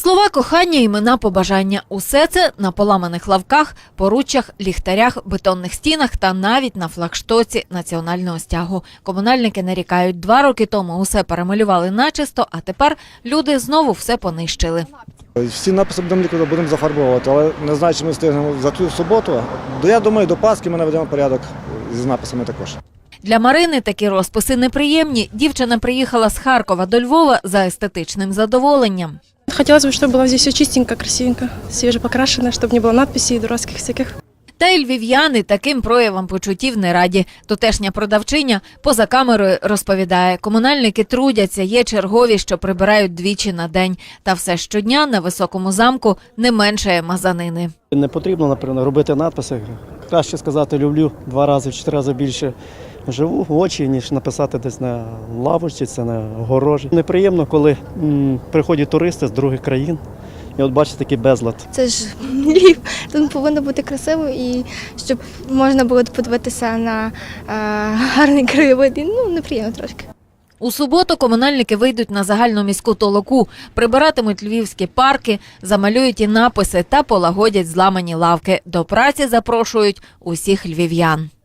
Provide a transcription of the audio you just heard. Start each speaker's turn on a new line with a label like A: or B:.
A: Слова кохання, імена, побажання – усе це на поламаних лавках, поруччях, ліхтарях, бетонних стінах та навіть на флагштоці національного стягу. Комунальники нарікають, 2 роки тому усе перемалювали начисто, а тепер люди знову все понищили.
B: Всі написи будемо зафарбовувати, але не знаю, чи ми встигнемо за цю суботу. Я думаю, до Пасхи ми наведемо порядок з написами також.
A: Для Марини такі розписи неприємні. Дівчина приїхала з Харкова до Львова за естетичним задоволенням.
C: Хотелось бы, чтобы было здесь все чистенько, красивенько, свежепокрашено, чтобы не было надписей дурацких всяких.
A: Та й львів'яни таким проявам почуттів не раді. Тутешня продавчиня поза камерою розповідає, комунальники трудяться, є чергові, що прибирають 2 на день. Та все щодня на Високому замку не меншає мазанини.
D: Не потрібно, наприклад, робити надписи. Краще сказати «люблю» 2 рази, в 4 рази більше живу в очі, ніж написати десь на лавочці, це на огорожі. Неприємно, коли приходять туристи з других країн і от бачите такий безлад.
E: Це ж Львів, тут повинно бути красиво і щоб можна було подивитися на гарний краєвид. Неприємно трошки.
A: У суботу комунальники вийдуть на загальноміську толоку, прибиратимуть львівські парки, замалюють і написи та полагодять зламані лавки. До праці запрошують усіх львів'ян.